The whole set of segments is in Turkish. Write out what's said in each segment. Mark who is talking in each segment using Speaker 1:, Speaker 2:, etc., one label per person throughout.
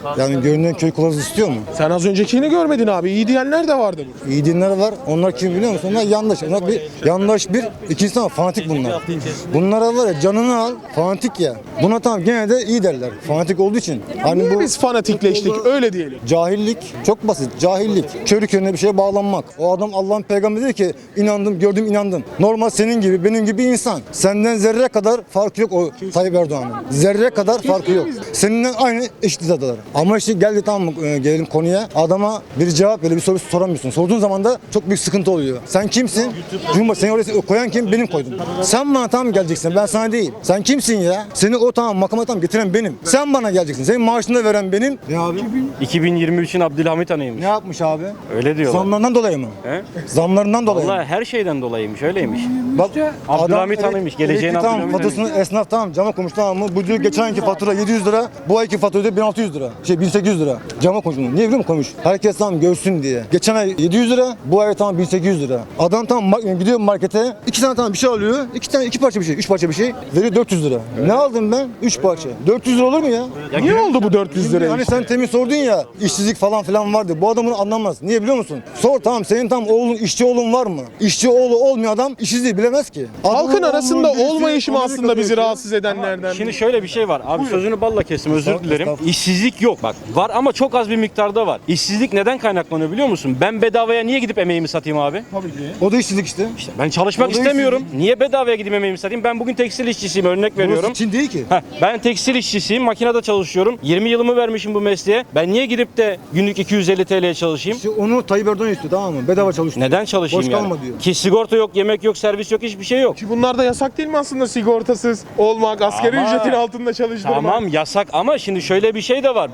Speaker 1: Yani görünen köy kılavuzu istiyor mu?
Speaker 2: Sen az öncekini görmedin abi. İyi diyenler de vardı.
Speaker 1: İyi dinler var. Onlar kim biliyor musun? Onlar yandaş. Onlar bir yandaş bir. İkincisi ama fanatik bunlar. Bunlara var ya canını al. Fanatik ya. Buna tamam gene de iyi derler. Fanatik olduğu için. Hani
Speaker 2: Niye biz fanatikleştik öyle diyelim.
Speaker 1: cahillik çok basit. Cahillik. Körü körüne bir şeye bağlanmak. O adam Allah'ın peygamberi dedi ki inandım, gördüm, inandım. Normal senin gibi, benim gibi insan. Senden zerre kadar farkı yok o Tayyip Erdoğan'ın. Zerre kadar farkı yok. Seninle aynı eşit hizadalar. Ama işte geldi tamam gelelim konuya. Adama bir cevap böyle bir soru soramıyorsun. Sorduğun zaman da çok büyük sıkıntı oluyor. Sen kimsin? Cumhurbaşkanı seni oraya koyan kim? Benim koydum. Sen bana tamam geleceksin. Ben sana değil. Sen kimsin ya? Seni o tamam makama tamam getiren benim. Sen bana geleceksin. Senin maaşını da veren benim. Ne abi?
Speaker 3: 2023'ün Abdülhamit Han'ıymış.
Speaker 1: Ne yapmış abi?
Speaker 3: Öyle diyorlar.
Speaker 1: Zamlarından dolayı mı?
Speaker 3: He?
Speaker 1: Zamlarından dolayı mı?
Speaker 3: Vallahi her şeyden dolayıymış, öyleymiş.
Speaker 1: Bak,
Speaker 3: Abdülhamit
Speaker 1: adam
Speaker 3: Han'ıymış, geleceğin
Speaker 1: elektrik tamam,
Speaker 3: Abdülhamit
Speaker 1: faturasını esnaf tamam cama koymuş tamam mı? Bu diyor geçen ayki fatura 700 lira, bu ayki fatura diyor 1600 lira. 1800 lira. Cama koymuş bunu. Niye biliyor musun koymuş? Herkes tamam görsün diye. Geçen ay 700 lira, bu ay tamam 1800 lira. Adam tamam gidiyor markete, iki tane tamam bir şey alıyor, iki parça bir şey, üç parça bir şey veriyor 400 lira. Ne aldım ben? 3 parça. 400 lira olur mu ya?
Speaker 2: Niye oldu bu 400 lira?
Speaker 1: Hani sen temin sordun ya, işsizlik falan filan vardı. Bu adam bunu anlamaz. Niye biliyor musun? Sor tamam senin tam oğlun, işçi oğlun var mı? İşçi oğlu olmayan adam işsizliği bilemez ki.
Speaker 2: Halkın
Speaker 1: Adamın
Speaker 2: arasında
Speaker 1: oğlunun birisi
Speaker 2: olmayışı mı
Speaker 1: Amerika'da
Speaker 2: aslında bizi
Speaker 1: yaşıyor.
Speaker 2: rahatsız edenlerden?
Speaker 3: Şimdi şöyle bir şey var. Abi sözünü balla kestim, özür dilerim.
Speaker 1: Estağfurullah.
Speaker 3: İşsizlik yok. Bak var ama çok az bir miktarda var. İşsizlik neden kaynaklanıyor biliyor musun? Ben bedavaya niye gidip emeğimi satayım abi?
Speaker 1: O da işsizlik işte.
Speaker 3: İşte ben çalışmak
Speaker 1: O da
Speaker 3: istemiyorum. Niye bedavaya gidip emeğimi satayım? Ben bugün tekstil işçisiyim, örnek veriyorum.
Speaker 1: Burası Çin değil ki.
Speaker 3: Ben tekstil işçisiyim, makinede çalışıyorum. 20 yılımı vermişim bu mesleğe. Ben niye gidip de günlük 250 TL'ye çalışayım?
Speaker 1: İşte onu Tayyip Erdoğan istiyor tamam mı? Bedava çalış.
Speaker 3: Neden çalışayım
Speaker 1: Boş
Speaker 3: yani?
Speaker 1: kalma diyor.
Speaker 3: Ki sigorta yok, yemek yok, servis yok, hiçbir şey yok.
Speaker 2: Ki bunlar da yasak değil mi aslında sigortasız olmak, asgari
Speaker 3: Ama-
Speaker 2: ücretin altında çalıştırmak?
Speaker 3: Tamam yasak ama şimdi şöyle bir şey de var.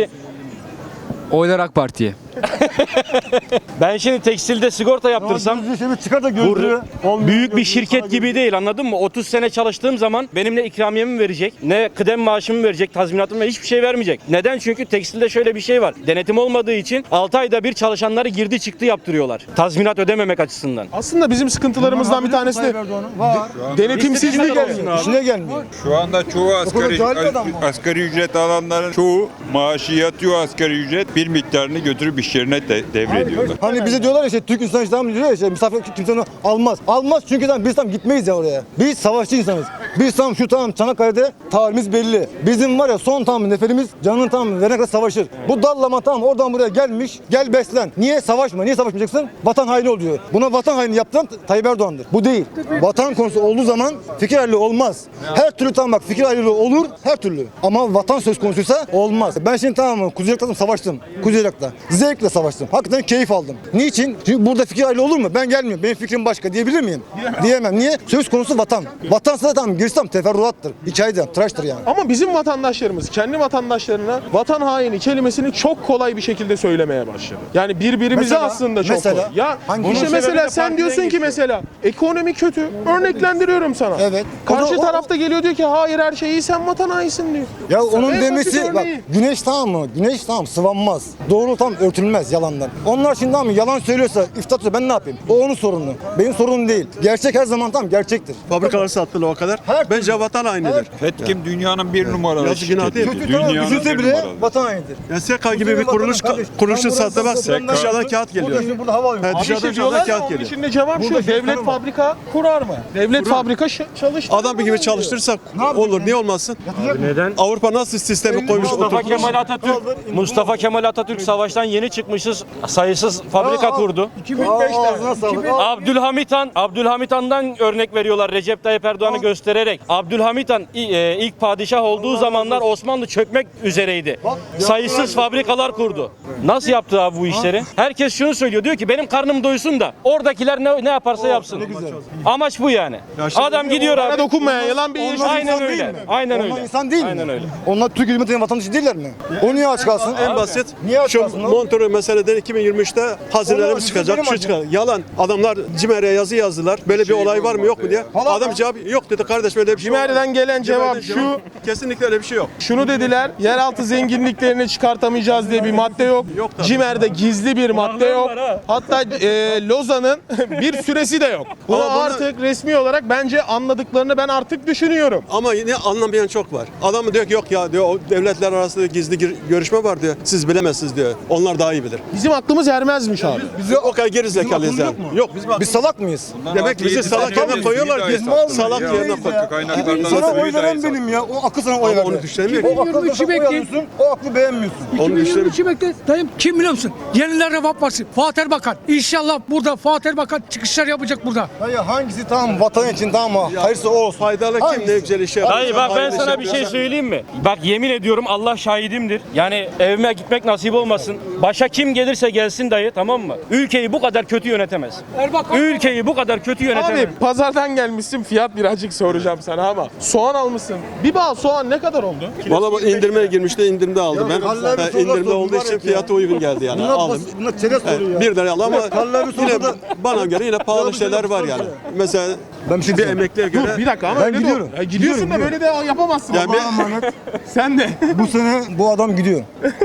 Speaker 4: Oylar AK Parti'ye.
Speaker 3: Ben şimdi tekstilde sigorta yaptırsam
Speaker 1: Çıkar da gözlüğü.
Speaker 3: büyük bir şirket gibi değil, anladın mı? 30 sene çalıştığım zaman benim ne ikramiyemi verecek, ne kıdem maaşımı verecek, tazminatımı verecek, hiçbir şey vermeyecek. Neden? Çünkü tekstilde şöyle bir şey var. Denetim olmadığı için 6 ayda bir çalışanları girdi çıktı yaptırıyorlar. Tazminat ödememek açısından.
Speaker 2: Aslında bizim sıkıntılarımızdan bir tanesi de
Speaker 1: Var.
Speaker 2: denetimsizlik.
Speaker 1: İşine gelmiyor.
Speaker 5: Şu anda çoğu
Speaker 1: cahil adam mı?
Speaker 5: asgari ücret alanların çoğu maaşı yatıyor asgari ücret bir miktarını götürüp iş yerine devrediyorlar.
Speaker 1: Hani bize diyorlar ya işte Türk insanı işte diyor ya işte misafir kimse onu almaz. Almaz çünkü tamam biz tam gitmeyiz ya oraya. Biz savaşçı insanız. Biz tam şu tamam Çanakkale'de tarihimiz belli. Bizim var ya son tam neferimiz canını tam verene kadar savaşır. Bu dallama tamam oradan buraya gelmiş. Gel beslen. Niye savaşma? Niye savaşmayacaksın? Vatan haini oluyor. Buna vatan haini yaptıran Tayyip Erdoğan'dır. Bu değil. Vatan konusu olduğu zaman fikir ayrılığı olmaz. Her türlü tamam bak fikir ayrılığı olur her türlü. Ama vatan söz konusuysa olmaz. Ben şimdi tamam mı Kuzey Irak'ta savaştım. Kuzey Irak'ta. Zevkle savaştım. Hakikaten keyif aldım. Niçin? Çünkü burada fikir ayrılığı olur mu? Ben gelmiyorum. Benim fikrim başka diyebilir miyim? Diyemem. Niye? Söz konusu vatan. Vatansa da tamam girsem teferruattır. Hikayeden, tıraştır yani.
Speaker 2: Ama bizim vatandaşlarımız kendi vatandaşlarına vatan haini kelimesini çok kolay bir şekilde söylemeye başladı. Yani birbirimize
Speaker 1: Mesela-
Speaker 2: aslında çok
Speaker 1: mesela-
Speaker 2: kolay. Ya
Speaker 1: Hangi-
Speaker 2: işte
Speaker 1: Bunun
Speaker 2: mesela
Speaker 3: sebebi de
Speaker 2: sen
Speaker 3: partiden
Speaker 2: diyorsun ki
Speaker 3: geçiyor.
Speaker 2: mesela ekonomi kötü. Örneklendiriyorum sana.
Speaker 1: Evet.
Speaker 2: Karşı
Speaker 1: O da-
Speaker 2: tarafta geliyor diyor ki hayır her şey iyi sen vatan hainisin diyor.
Speaker 1: Ya onun
Speaker 2: En basit
Speaker 1: demesi bak
Speaker 2: örneği.
Speaker 1: güneş tamam mı? Güneş tamam sıvanmaz. Doğru tam örtülmez yalandan. Onlar şimdi tamam mı yalan söylüyorsa iftira atıyorsa ben ne yapayım? O onun sorunu. Benim sorunum değil. Gerçek her zaman tamam gerçektir.
Speaker 6: Fabrikaları sattılar o kadar.
Speaker 1: Her-
Speaker 6: Bence vatan hainidir.
Speaker 5: Petkim dünyanın bir numaralı
Speaker 6: Yazık, günah değil mi?
Speaker 5: şirketi.
Speaker 1: Kötü tamam
Speaker 5: Dünyanın
Speaker 1: üzülse
Speaker 5: bir
Speaker 1: bile
Speaker 5: numaralı.
Speaker 1: vatan hainidir.
Speaker 6: Ya SEKA gibi bir kuruluşu satmaz. Dışarıdan kağıt geliyor.
Speaker 1: Burada hava alıyor.
Speaker 6: He,
Speaker 2: Bir
Speaker 6: dışarıdan
Speaker 2: şey diyorlar ya,
Speaker 6: kağıt
Speaker 2: onun
Speaker 6: geliyor.
Speaker 2: için de cevap
Speaker 1: Burada
Speaker 2: şu. Devlet
Speaker 1: gösterim var.
Speaker 2: fabrika kurar mı? Devlet fabrika çalıştırır.
Speaker 6: Adam gibi çalıştırsak olur. Niye olmasın?
Speaker 3: Neden?
Speaker 6: Avrupa nasıl sistemi koymuş
Speaker 3: Mustafa
Speaker 6: oturtmuş.
Speaker 3: Mustafa Kemal Atatürk savaştan yeni çıkmışız. Sayısız fabrika kurdu.
Speaker 2: 2005'te.
Speaker 1: Ağzına sağlık.
Speaker 3: Abdülhamit Han'dan örnek veriyorlar Recep Tayyip Erdoğan'ı göstererek. Abdülhamit Han ilk padişah olduğu zamanlar Osmanlı çökmek üzereydi. Sayısız fabrikalar kurdu. Nasıl yaptı abi bu işleri? Herkes şunu söylüyor. Diyor ki benim karnım doysun da oradakiler ne yaparsa yapsın. Amaç bu yani. Adam gidiyor
Speaker 2: Bana
Speaker 3: abi.
Speaker 2: dokunmayan yalan bir iş.
Speaker 1: Onlar
Speaker 3: Aynen
Speaker 1: insan değil
Speaker 3: öyle.
Speaker 1: mi?
Speaker 3: Aynen
Speaker 1: Onlar
Speaker 3: öyle.
Speaker 1: insan değil mi?
Speaker 3: Aynen öyle.
Speaker 1: Onlar Türk hükümetinin vatandaşı değiller mi? O niye aç kalsın?
Speaker 6: En basit.
Speaker 1: Niye aç
Speaker 6: Şu
Speaker 1: kalsın?
Speaker 6: Montreux meseleden 2023'te hazinelerimiz çıkacak. Şu çıkar. Yalan. Adamlar CİMER'e yazı yazdılar. Böyle bir olay var mı yok mu diye. Adam cevap yok dedi kardeş.
Speaker 7: Arkadaş böyle bir şey
Speaker 2: Cimer'den
Speaker 7: olmaz.
Speaker 2: gelen cevap
Speaker 7: Cimer'den
Speaker 2: şu.
Speaker 7: Kesinlikle öyle bir şey yok.
Speaker 2: Şunu dediler, yeraltı zenginliklerini çıkartamayacağız diye bir madde yok.
Speaker 7: Yok tabii.
Speaker 2: Cimer'de gizli bir madde yok. Hatta Lozan'ın bir süresi de yok. Bunu
Speaker 7: Ama bunlar-
Speaker 2: artık resmi olarak bence anladıklarını ben artık düşünüyorum.
Speaker 7: Ama yine anlamayan çok var. Adam diyor ki yok ya diyor, o devletler arasında gizli görüşme var diyor. Siz bilemezsiniz diyor. Onlar daha iyi bilir.
Speaker 2: Bizim aklımız ermezmiş abi.
Speaker 7: Biz o kadar geri zekalıyız yani. Yok
Speaker 1: Biz salak mıyız?
Speaker 7: Demek ki bizi salak yerine koyuyorlar ki. Salak yerine koyuyorlar.
Speaker 1: Sana oy veren benim ya. O aklı sana oy verdi.
Speaker 7: Onu düşünemiyor.
Speaker 1: O aklı sana oy alıyorsun, o aklı beğenmiyorsun.
Speaker 7: Onu düşünemiyor.
Speaker 8: 2023'ü bekle. Dayım kim biliyor musun? Yeniler Refah Partisi. Fatih Erbakan. İnşallah burada Fatih Erbakan çıkışlar yapacak burada.
Speaker 1: Hayır hangisi tamam vatan için tamam mı? Hayırlısı o olsun.
Speaker 7: Faydalı kim
Speaker 1: Hangisi?
Speaker 7: ne güzel iş yapıyor.
Speaker 3: Dayı bak ben
Speaker 7: Hayırlı
Speaker 3: sana
Speaker 7: iş
Speaker 3: bir şey
Speaker 7: yapıyor.
Speaker 3: söyleyeyim mi? Bak yemin ediyorum Allah şahidimdir. Yani evime gitmek nasip olmasın. Başa kim gelirse gelsin dayı, tamam mı? Ülkeyi bu kadar kötü yönetemez.
Speaker 8: Erbakan.
Speaker 3: Ülkeyi bu kadar kötü yönetemez.
Speaker 2: Abi pazardan gelmişsin, fiyat birazcık soracağım sana ama soğan almışsın. Bir bağ soğan ne kadar oldu?
Speaker 7: Valla bu indirmeye girmişti, indirimde aldım ben.
Speaker 1: Halil abi
Speaker 7: İndirimde
Speaker 1: sokakta
Speaker 7: olduğu
Speaker 1: mübarek
Speaker 7: için
Speaker 1: ya.
Speaker 7: fiyatı uygun geldi yani. Aldım.
Speaker 1: Bunlar çerez soruyor ya.
Speaker 7: Bir liraya aldım ama
Speaker 1: Halil abi
Speaker 7: yine
Speaker 1: sokakta-
Speaker 7: bana göre yine pahalı şeyler var yani. Mesela
Speaker 1: Ben bir şey
Speaker 7: bir
Speaker 1: diyeceğim.
Speaker 7: emekliye göre
Speaker 2: Dur bir dakika ama
Speaker 1: Ben
Speaker 2: öyle
Speaker 1: gidiyorum.
Speaker 2: de gidiyorsun da
Speaker 1: Gidiyorum,
Speaker 2: böyle de yapamazsın.
Speaker 7: Yani
Speaker 2: ama.
Speaker 1: Allah'a emanet.
Speaker 2: Sen de.
Speaker 1: Bu sene bu adam gidiyor.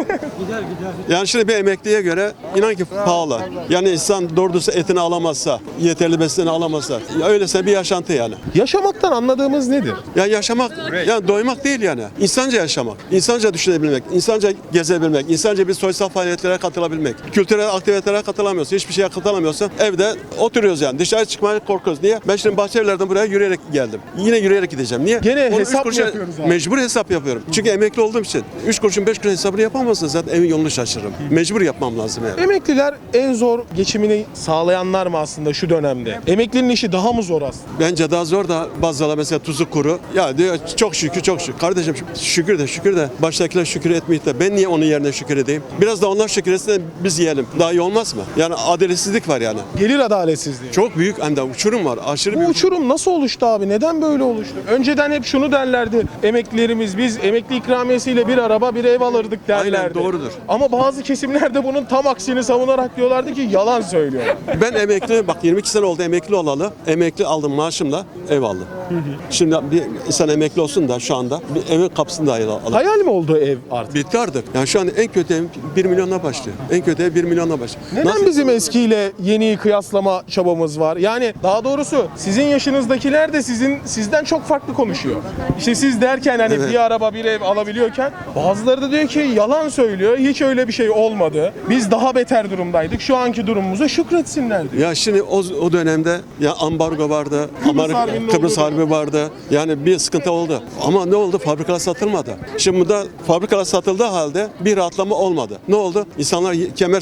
Speaker 7: yani şimdi bir emekliye göre inan ki pahalı. Yani insan doğru dürüst etini alamazsa, yeterli besinini alamazsa, ya öylese bir yaşantı yani.
Speaker 2: Yaşamaktan anladığımız nedir?
Speaker 7: Ya yaşamak, yani doymak değil yani. İnsanca yaşamak, insanca düşünebilmek, insanca gezebilmek, insanca bir sosyal faaliyetlere katılabilmek. Kültürel aktivitelere katılamıyorsun, hiçbir şeye katılamıyorsan evde oturuyoruz yani. Dışarı çıkmaya korkuyoruz. Niye? Ben şimdi Bahçeliler'den buraya yürüyerek geldim. Yine yürüyerek gideceğim. Niye?
Speaker 2: Gene
Speaker 7: Onu
Speaker 2: hesap
Speaker 7: üç
Speaker 2: mı yapıyoruz abi?
Speaker 7: Mecbur hesap yapıyorum. Çünkü emekli olduğum için. 3 kuruşun 5 kuruş hesabını yapamazsın zaten evin yolunu şaşırırım. Mecbur yapmam lazım yani.
Speaker 2: Emekliler en zor geçimini sağlayanlar mı aslında şu dönemde? Emeklinin işi daha mı zor aslında?
Speaker 7: Bence daha zor da bazıları mesela tuzu kuru. Ya diyor çok şükür çok şükür. Kardeşim şükür de baştakiler şükür etmeyip de ben niye onun yerine şükür edeyim? Biraz da onlar şükür etsin de biz yiyelim. Daha iyi olmaz mı? Yani adaletsizlik var yani.
Speaker 2: Gelir adaletsizliği.
Speaker 7: Çok büyük hem de uçurum var. Aşırı
Speaker 2: Bu
Speaker 7: büyük.
Speaker 2: uçurum nasıl oluştu abi? Neden böyle oluştu? Önceden hep şunu derlerdi. Emeklilerimiz biz emekli ikramiyesiyle bir araba bir ev alırdık derlerdi.
Speaker 7: Aynen, doğrudur.
Speaker 2: Ama bazı kesimlerde bunun tam aksini savunarak diyorlardı ki yalan söylüyor.
Speaker 7: Ben emekli bak 22 sene oldu emekli olalı. Emekli aldım maaşımla ev aldım. Şimdi bir insan emekli olsun da şu anda bir evin kapısını dahi alalım.
Speaker 2: Hayal mi oldu ev artık?
Speaker 7: Bitti artık. Yani şu an en kötü ev 1 milyonla başlıyor. En kötü ev 1 milyonla başlıyor.
Speaker 2: Neden
Speaker 7: Nasıl-
Speaker 2: bizim eskiyle yeniyi kıyaslama çabamız var? Yani daha doğrusu sizin yaşınızdakiler de sizden çok farklı konuşuyor. İşte siz derken hani
Speaker 7: Evet.
Speaker 2: bir araba bir ev alabiliyorken bazıları da diyor ki yalan söylüyor. Hiç öyle bir şey olmadı. Biz daha beter durumdaydık. Şu anki durumumuza şükretsinler diyor.
Speaker 7: Ya şimdi o dönemde ya ambargo vardı,
Speaker 2: Harbinin
Speaker 7: Kıbrıs
Speaker 2: olduğu
Speaker 7: Harbi vardı. Yani bir sıkıntı oldu. Ama ne oldu? Fabrikalar satılmadı. Şimdi burada fabrikalar satıldığı halde bir rahatlama olmadı. Ne oldu? İnsanlar kemer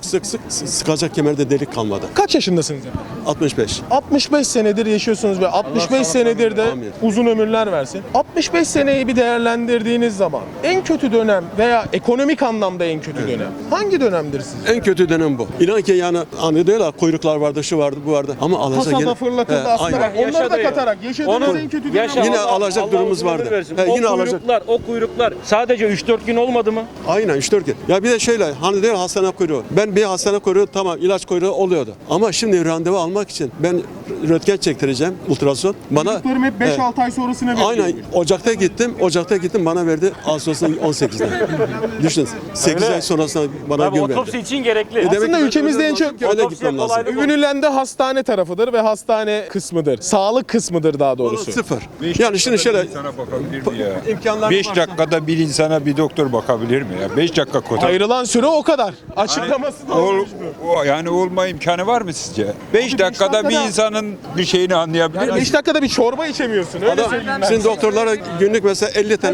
Speaker 7: sıkacak kemerde delik kalmadı.
Speaker 2: Kaç yaşındasınız efendim?
Speaker 7: 65.
Speaker 2: 65 senedir yaşıyorsunuz ve 65 senedir de
Speaker 7: Amin.
Speaker 2: uzun ömürler versin. 65 seneyi bir değerlendirdiğiniz zaman en kötü dönem veya ekonomik anlamda en kötü dönem hangi dönemdir sizce?
Speaker 7: En kötü dönem bu. İnan ki yani hani diyorlar kuyruklar vardı, şu vardı, bu vardı. Ama alacak
Speaker 2: Kasada fırlatıldı aslında.
Speaker 7: aynen.
Speaker 2: Bak, onları da
Speaker 3: Yaşadı ya.
Speaker 2: katarak yaşadığınız en kötü dönem.
Speaker 3: yaşa,
Speaker 7: Yine
Speaker 3: Allah-
Speaker 7: alacak
Speaker 3: Allah
Speaker 7: durumumuz
Speaker 3: uzun ömür
Speaker 7: vardı.
Speaker 3: versin.
Speaker 7: He,
Speaker 3: O
Speaker 7: yine alacak.
Speaker 3: kuyruklar sadece 3-4 gün olmadı mı?
Speaker 7: Aynen 3-4 gün. Ya bir de şöyle hani diyor hastane kuyruğu. Ben bir hastane kuyruğu tamam ilaç kuyruğu oluyordu. Ama şimdi randevu almak için ben röntgen çektireceğim ultrason. Bana
Speaker 2: Çocuklarım hep 5-6 ay sonrasına veriyor.
Speaker 7: Aynen Ocak'ta gittim bana verdi Ağustos'un 18'de. Düşün 8
Speaker 3: Öyle.
Speaker 7: ay sonrasında bana
Speaker 3: Tabii
Speaker 7: gün
Speaker 3: otopsi
Speaker 7: verdi.
Speaker 3: için gerekli.
Speaker 7: Demek
Speaker 2: Aslında
Speaker 7: ki ben
Speaker 2: ülkemizde en çok
Speaker 7: öyle
Speaker 3: otopsiye
Speaker 7: gitmem lazım.
Speaker 3: kolaylık-
Speaker 2: övünülen de hastane tarafıdır ve hastane kısmıdır. Sağlık kısmıdır daha doğrusu.
Speaker 7: Sıfır. Yani şimdi şöyle
Speaker 5: İnsana bakabilir mi ya?
Speaker 7: imkanlar
Speaker 5: 5
Speaker 7: varsa-
Speaker 5: dakikada bir insana bir doktor bakabilir mi ya? 5 dakika kota.
Speaker 2: Ayrılan süre o kadar. Açıklaması da olmuş bu.
Speaker 5: Yani olma imkanı var mı sizce? 5 dakikada bir
Speaker 2: dakikada-
Speaker 5: insanın bir şeyini anlayabilir
Speaker 2: Yani
Speaker 5: mi?
Speaker 2: 5 dakikada bir çorba içemiyorsun. Öyle
Speaker 7: Adam,
Speaker 2: söyleyeyim ben.
Speaker 7: şimdi doktorlara günlük mesela 50 tane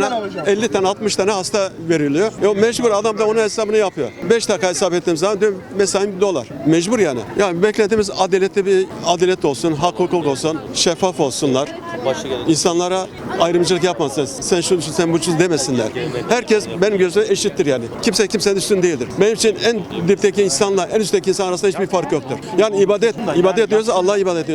Speaker 7: 60 tane hasta veriliyor. Mecbur adam da onun hesabını yapıyor. 5 dakika hesap ettiğim zaman diyor mesaim $1. Mecbur yani. Yani beklediğimiz adalet olsun, hak hukuk olsun, şeffaf olsunlar. İnsanlara ayrımcılık yapmasın. Sen şunu sen bu demesinler. Herkes benim gözümde eşittir yani. Kimse kimsenin üstün değildir. Benim için en dipteki insanla en üstteki insan arasında hiçbir fark yoktur. Yani ibadet diyoruz Allah'a ibadet ediyoruz.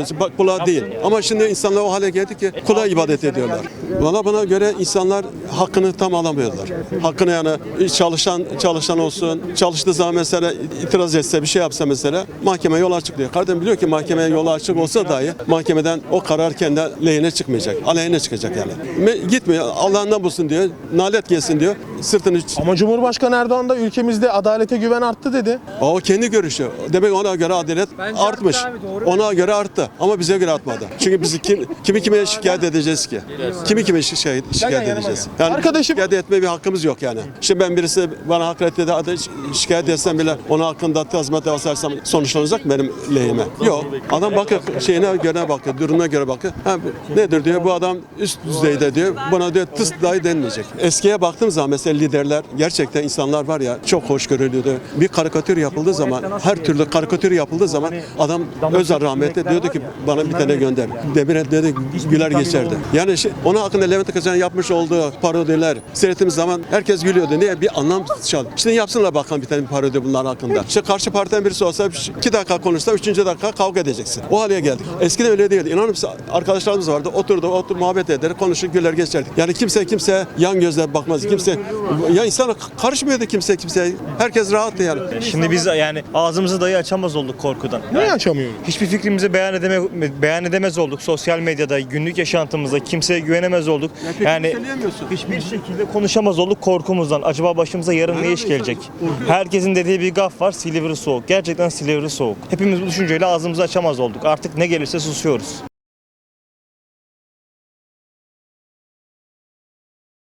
Speaker 7: ediyor, kula değil. Ama şimdi insanlar o hale geldi ki kula ibadet ediyorlar. Bana göre insanlar hakkını tam alamıyorlar. Hakkını yani çalışan olsun, çalıştığı zaman mesela itiraz etse, bir şey yapsa mesela mahkeme yol açık diyor. Kardeşim biliyor ki mahkemeye yol açık olsa dahi mahkemeden o karar kendi lehine çıkmayacak, aleyhine çıkacak yani. Gitmiyor, Allah'ından bulsun diyor, nalet gelsin diyor, sırtını...
Speaker 2: Ama Cumhurbaşkanı Erdoğan da ülkemizde adalete güven arttı dedi.
Speaker 7: O kendi görüşü. Demek ona göre adalet artmış. Ona göre arttı ama bize göre artmadı. Çünkü biz kimi kime şikayet edeceğiz ki? Kimi kime şikayet edeceğiz? Yani
Speaker 2: Arkadaşım-
Speaker 7: şikayet etme bir hakkımız yok yani. İşte ben birisi bana hakaret dedi, şikayet etsem bile onun hakkında tazminat varsayırsam sonuçlanacak mı benim lehime? Yok. Adam bakıyor şeyine göre bakıyor, durumuna göre bakıyor. Ha, nedir diyor, bu adam üst düzeyde diyor. Buna diyor tıs dahi denmeyecek. Eskiye baktığım zaman mesela liderler, gerçekten insanlar var ya çok hoşgörülüydü. Bir karikatür yapıldığı zaman, her türlü karikatür yapıldığı zaman adam Özal rahmetli diyordu ki bana bir tane gönder. Demirel dedi güler geçerdi. Yani onun hakkında Levent Kırca'nın yapmış olduğu parodiler seyrettiğimiz zaman herkes gülüyordu. Niye? Bir anlam çaldı. Şimdi yapsınlar bakalım bir tane parodi bunların hakkında. İşte karşı partiden birisi olsa 2 dakika konuşsa 3. dakika kavga edeceksin. O hale geldik. Eskiden öyle değildi. İnanır mısın? Arkadaşlarımız vardı. Otur muhabbet eder, konuşur, güler geçerdik. Yani kimse yan gözle bakmaz. Ya insana karışmıyordu kimse. Herkes rahattı yani.
Speaker 9: Şimdi biz yani ağzımızı dahi açamaz olduk korkudan.
Speaker 2: Niye açamıyoruz?
Speaker 9: Hiçbir fikrimizi beyan edemez olduk. Sosyal medyada, günlük yaşantımızda kimseye güvenemez olduk. Yani hiçbir şekilde konuşamaz olduk korkumuzdan. Acaba başımıza yarın ne iş gelecek? Herkesin dediği bir gaf var. Silivri soğuk. Gerçekten Silivri soğuk. Hepimiz bu düşünceyle ağzımızı açamaz olduk. Artık ne gelirse susuyoruz.